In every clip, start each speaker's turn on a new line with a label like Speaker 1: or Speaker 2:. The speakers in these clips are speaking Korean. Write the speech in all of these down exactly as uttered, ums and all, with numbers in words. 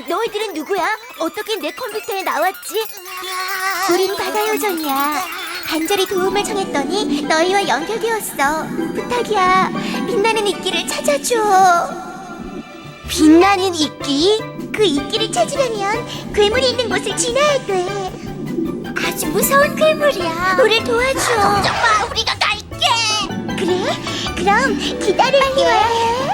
Speaker 1: 너희들은 누구야? 어떻게 내 컴퓨터에 나왔지? 우린 바다요정이야. 간절히 도움을 청했더니 너희와 연결되었어. 부탁이야. 빛나는 이끼를 찾아줘. 빛나는 이끼? 그 이끼를 찾으려면 괴물이 있는 곳을 지나야 돼. 아주 무서운 괴물이야. 우릴 도와줘. 걱정 마, 우리가 갈게. 그래? 그럼 기다릴게. 빨리 와야 해.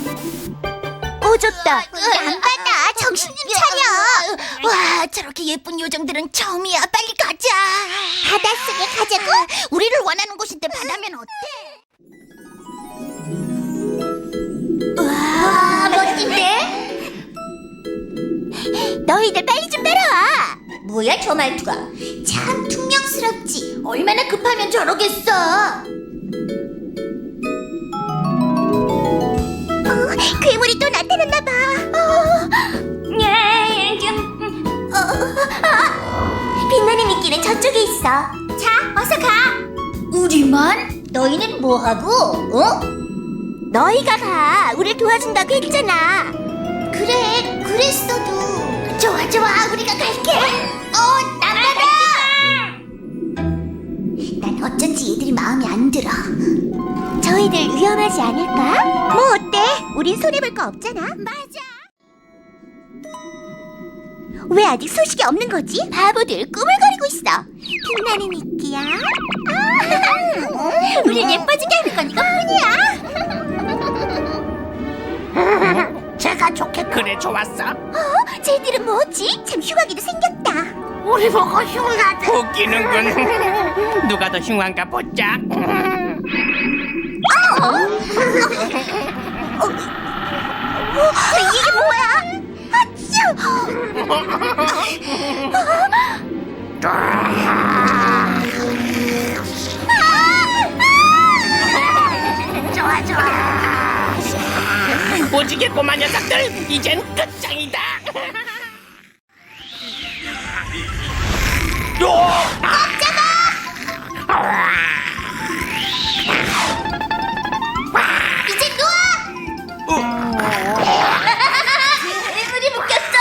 Speaker 1: 꺼졌다. 안 받아. 정신 좀 차려. 와, 저렇게 예쁜 요정들은 처음이야. 빨리 가자. 바닷속에 가자고? 우리를 원하는 곳인데 바다면 어때? 와, 멋진데? 너희들 빨리 좀 따라와. 뭐야 저 말투가? 참 퉁명스럽지. 얼마나 급하면 저러겠어. 어, 괴물이 또 나타났나 봐. 어, 예, 좀, 어, 아, 빛나는 이끼는 저쪽에 있어. 자, 어서 가. 우리만? 너희는 뭐하고? 어? 너희가 가. 우릴 도와준다고 했잖아. 그래, 그랬어도. 좋아, 좋아. 우리가 갈게. 어, 나가라. 난 어쩐지 얘들이 마음에 안 들어. 저희들 위험하지 않을까? 뭐 어때? 우린 손해볼 거 없잖아. 맞아. 왜 아직 소식이 없는 거지? 바보들 꿈을 거리고 있어. 빛나는 이끼야. 아, 우릴 예뻐지게 하는 건 이것뿐이야.
Speaker 2: 제가 좋게 그래 좋았어.
Speaker 1: 어? 쟤들은 뭐지? 참 흉하기도 생겼다.
Speaker 2: 우리 보고 흉하다. 웃기는군. 누가 더 흉한가 보자.
Speaker 1: 어? 어? 어? 이게 뭐야?
Speaker 2: 좋아 좋아. 오지게 꼬마 녀석들 이젠 끝장이다.
Speaker 1: 이제 놓아! 괴물이 묶였어.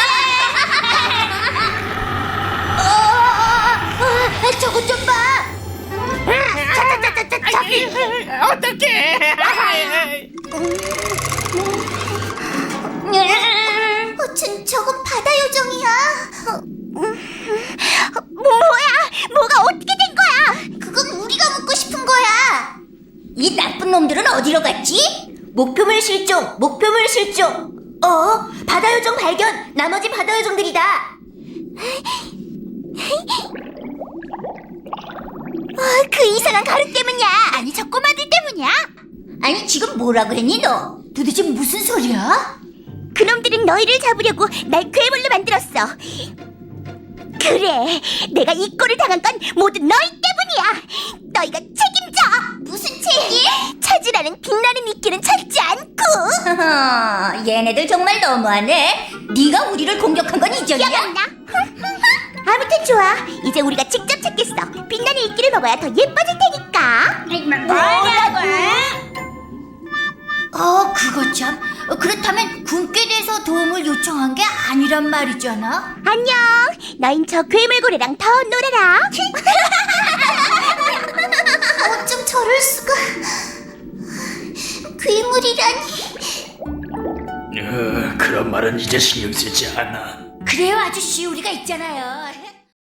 Speaker 1: 어, 저거 좀 봐.
Speaker 2: 저기 어떡해.
Speaker 1: 어, 저, 저건 바다요정이야. 어, 뭐야? 뭐가 어떻게 된 거야? 그건 우리가 묻고 싶은 거야. 이 나쁜 놈들은 어디로 갔지? 목표물 실종, 목표물 실종. 어? 바다요정 발견. 나머지 바다요정들이다. 어, 그 이상한 가루 때문이야. 아니 저 꼬마들 때문이야. 아니 지금 뭐라고 했니 너? 도대체 무슨 소리야? 그놈들은 너희를 잡으려고 날 괴물로 만들었어. 그래, 내가 이 꼴을 당한 건 모두 너희 때문이야. 너희가 책임져. 무슨 책임? 찾으라는 빛나는 이끼는 찾지 않고. 얘네들 정말 너무하네. 네가 우리를 공격한 건 이전이야? 기억나? 아무튼 좋아. 이제 우리가 직접 찾겠어. 빛나는 이끼를 먹어야 더 예뻐질 테니까. 뭐라고? 어, 그거 참. 그렇다면 군께 대해서 도움을 요청한 게 아니란 말이잖아. 안녕. 너흰 저 괴물고래랑 더 놀아라. 어쩜 저럴 수가. 괴물이라니.
Speaker 3: 어, 그런 말은 이제 신경 쓰지 않아.
Speaker 1: 그래요 아저씨, 우리가 있잖아요.